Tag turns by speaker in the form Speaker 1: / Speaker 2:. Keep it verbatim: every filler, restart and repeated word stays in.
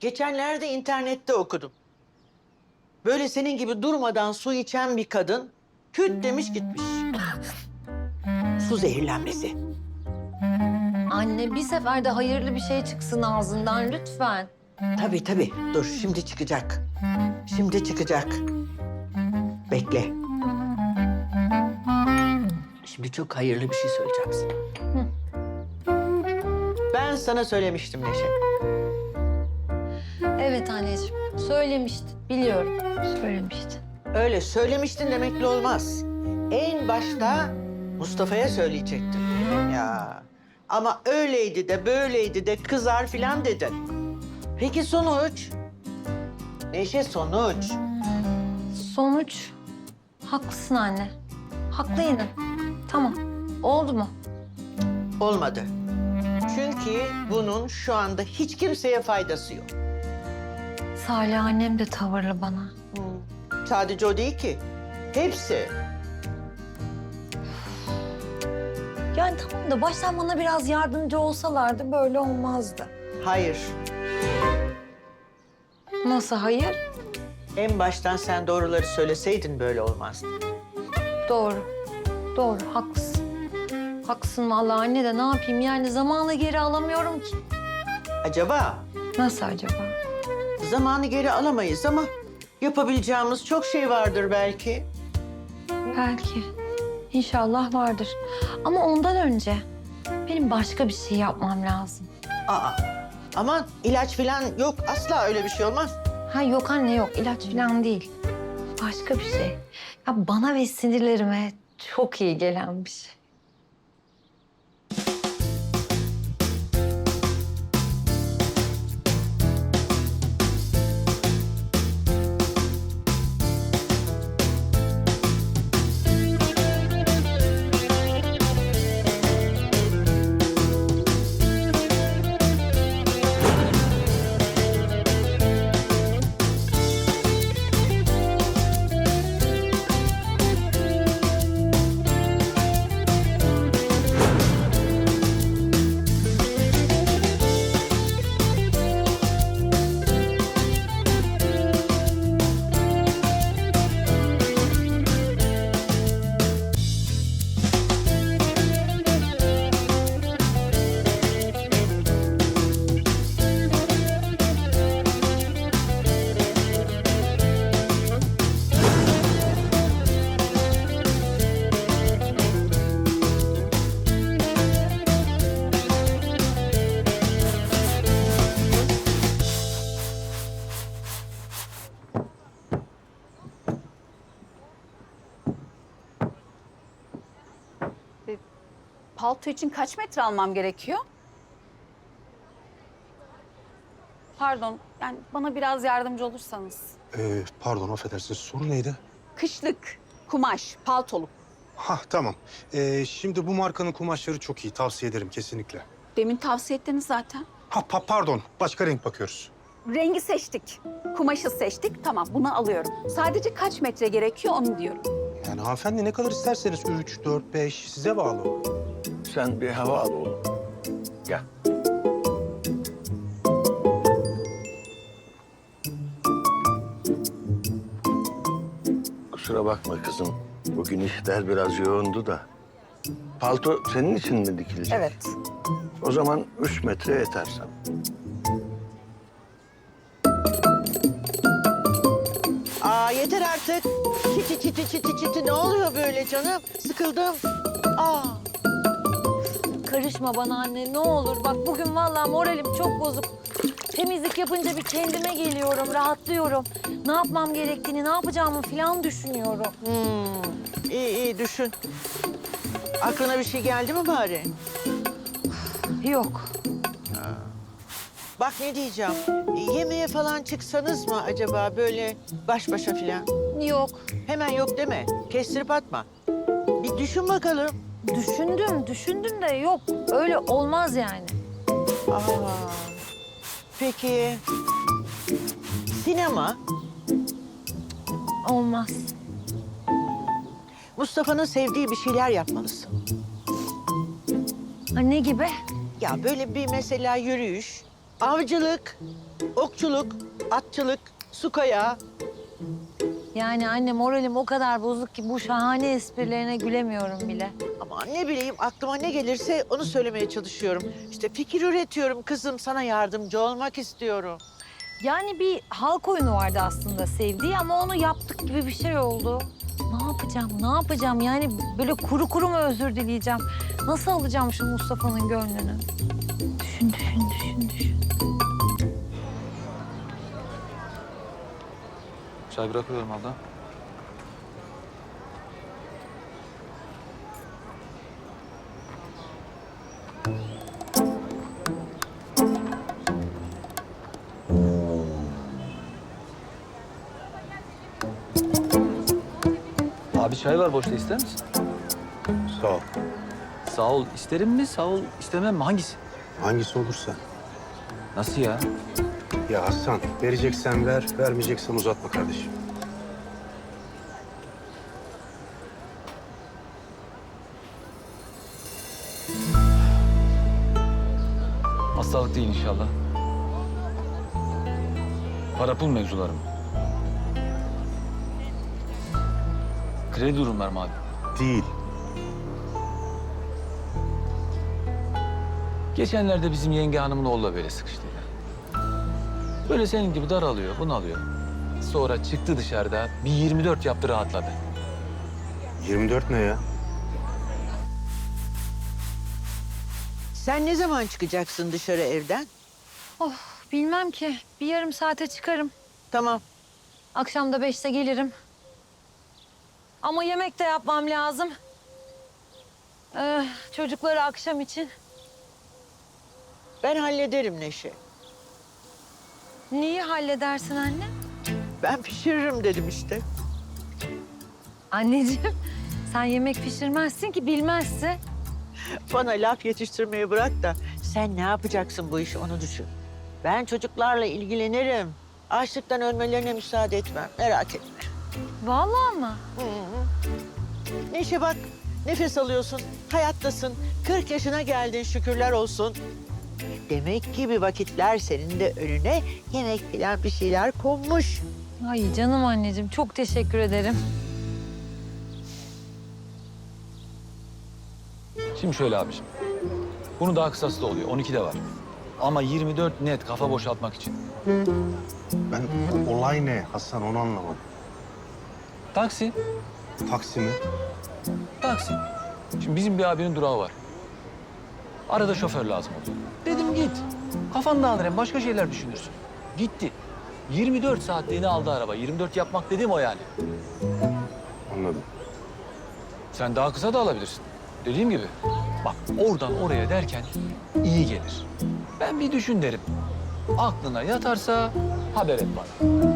Speaker 1: Geçenlerde internette okudum. Böyle senin gibi durmadan su içen bir kadın küt demiş gitmiş. Su zehirlenmesi.
Speaker 2: Anne bir seferde hayırlı bir şey çıksın ağzından lütfen.
Speaker 1: Tabii tabii. Dur şimdi çıkacak. Şimdi çıkacak. Bekle. Şimdi çok hayırlı bir şey söyleyeceğim sana. Ben sana söylemiştim Neşe.
Speaker 2: Evet anneciğim söylemiştin biliyorum söylemiştin.
Speaker 1: Öyle söylemiştin demekle olmaz. En başta Mustafa'ya söyleyecektin. Ya ama öyleydi de böyleydi de kızar filan dedin. Peki sonuç? Neşe sonuç.
Speaker 2: Sonuç haklısın anne. Haklı yine. Tamam oldu mu?
Speaker 1: Olmadı. Çünkü bunun şu anda hiç kimseye faydası yok.
Speaker 2: Salih annem de tavırlı bana.
Speaker 1: Sadece o değil ki. Hepsi.
Speaker 2: Yani tamam da baştan bana biraz yardımcı olsalardı böyle olmazdı.
Speaker 1: Hayır.
Speaker 2: Nasıl hayır?
Speaker 1: En baştan sen doğruları söyleseydin böyle olmazdı.
Speaker 2: Doğru. Doğru haklısın. Haklısın vallahi anne de ne yapayım yani zamanı geri alamıyorum ki.
Speaker 1: Acaba
Speaker 2: Nasıl acaba?
Speaker 1: zamanı geri alamayız ama yapabileceğimiz çok şey vardır belki.
Speaker 2: Belki. İnşallah vardır. Ama ondan önce benim başka bir şey yapmam lazım.
Speaker 1: Aa, aman ilaç falan yok. Asla öyle bir şey olmaz.
Speaker 2: Ha yok anne yok ilaç falan değil. Başka bir şey. Ya bana ve sinirlerime çok iyi gelen bir şey.
Speaker 3: Palto için kaç metre almam gerekiyor? Pardon, yani bana biraz yardımcı olursanız.
Speaker 4: Ee, pardon, affedersiniz. Soru neydi?
Speaker 3: Kışlık, kumaş, paltoluk.
Speaker 4: Ha tamam. Ee, şimdi bu markanın kumaşları çok iyi. Tavsiye ederim kesinlikle.
Speaker 3: Demin tavsiye ettiniz zaten.
Speaker 4: Ha pa pardon. Başka renk bakıyoruz.
Speaker 3: Rengi seçtik, kumaşı seçtik. Tamam, bunu alıyorum. Sadece kaç metre gerekiyor onu diyorum.
Speaker 4: Yani hanımefendi ne kadar isterseniz üç, dört, beş size bağlı.
Speaker 5: Sen bir hava al oğlum. Gel. Kusura bakma kızım. Bugün işler biraz yoğundu da. Palto senin için mi dikilecek?
Speaker 3: Evet.
Speaker 5: O zaman üç metre yeter sana.
Speaker 1: Aa yeter artık. Çiti çiti çiti çiti ne oluyor böyle canım? Sıkıldım. Aa.
Speaker 2: Karışma bana anne ne olur. Bak bugün vallahi moralim çok bozuk. Temizlik yapınca bir kendime geliyorum, rahatlıyorum. Ne yapmam gerektiğini, ne yapacağımı falan düşünüyorum.
Speaker 1: Hmm. İyi iyi düşün. Aklına bir şey geldi mi bari?
Speaker 2: Yok.
Speaker 1: Bak ne diyeceğim. Yemeğe falan çıksanız mı acaba böyle baş başa falan?
Speaker 2: Yok.
Speaker 1: Hemen yok deme. Kestirip atma. Bir düşün bakalım.
Speaker 2: Düşündüm, düşündüm de yok. Öyle olmaz yani.
Speaker 1: Aa. Peki sinema?
Speaker 2: Olmaz.
Speaker 1: Mustafa'nın sevdiği bir şeyler yapmalısın.
Speaker 2: Ha, ne gibi?
Speaker 1: Ya böyle bir mesela yürüyüş, Avcılık, okçuluk, atçılık, su kayağı.
Speaker 2: Yani anne moralim o kadar bozuk ki bu şahane esprilerine gülemiyorum bile.
Speaker 1: Ama ne bileyim aklıma ne gelirse onu söylemeye çalışıyorum. İşte fikir üretiyorum kızım, sana yardımcı olmak istiyorum.
Speaker 2: Yani bir halk oyunu vardı aslında sevdiği ama onu yaptık gibi bir şey oldu. Ne yapacağım, ne yapacağım? Yani böyle kuru kuru mu özür dileyeceğim? Nasıl alacağım şu Mustafa'nın gönlünü? Düşün, düşün, düşün, düşün.
Speaker 6: Çay bırakıyorum abla. Abi çay var boşta, ister misin?
Speaker 4: Sağ ol.
Speaker 6: Sağ ol isterim mi, sağ ol istemem mi? Hangisi?
Speaker 4: Hangisi olursa.
Speaker 6: Nasıl ya?
Speaker 4: Ya Hasan, vereceksen ver, vermeyeceksen uzatma kardeşim.
Speaker 6: Hastalık değil inşallah. Para pul mevzularım. Kredi durumlar mı abi?
Speaker 4: Değil.
Speaker 6: Geçenlerde bizim yenge hanımın oğlu böyle sıkıştı. Böyle senin gibi daralıyor, bunalıyor. Sonra çıktı dışarıda, bir yirmi dört yaptı, rahatladı.
Speaker 4: yirmi dört ne ya?
Speaker 1: Sen ne zaman çıkacaksın dışarı evden?
Speaker 2: Oh, bilmem ki. Bir yarım saate çıkarım.
Speaker 1: Tamam.
Speaker 2: Akşam da beşte gelirim. Ama yemek de yapmam lazım. Ee, çocukları akşam için.
Speaker 1: Ben hallederim Neşe.
Speaker 2: Neyi halledersin anne?
Speaker 1: Ben pişiririm dedim işte.
Speaker 2: Anneciğim, sen yemek pişirmezsin ki, bilmezsin.
Speaker 1: Bana laf yetiştirmeyi bırak da sen ne yapacaksın bu işi onu düşün. Ben çocuklarla ilgilenirim. Açlıktan ölmelerine müsaade etmem. Merak etme.
Speaker 2: Vallahi mı?
Speaker 1: Neşe bak, nefes alıyorsun, hayattasın. kırk yaşına geldin şükürler olsun. Demek ki bir vakitler senin de önüne yemek falan bir şeyler konmuş.
Speaker 2: Ay canım anneciğim, çok teşekkür ederim.
Speaker 6: Şimdi şöyle abiciğim. Bunun daha kısası da oluyor, on iki de var. Ama yirmi dört net, kafa boşaltmak için.
Speaker 4: Ben o olay ne Hasan onu anlamadım.
Speaker 6: Taksi,
Speaker 4: Taksi mi?
Speaker 6: taksi. Şimdi bizim bir abinin durağı var. Arada şoför lazım oluyor. Dedim git. Kafan dağılır, hem başka şeyler düşünürsün. Gitti. yirmi dört saatliğini aldı araba. yirmi dört yapmak dediğim o yani.
Speaker 4: Anladım.
Speaker 6: Sen daha kısa da alabilirsin. Dediğim gibi. Bak oradan oraya derken iyi gelir. Ben bir düşün derim. Aklına yatarsa haber et bana.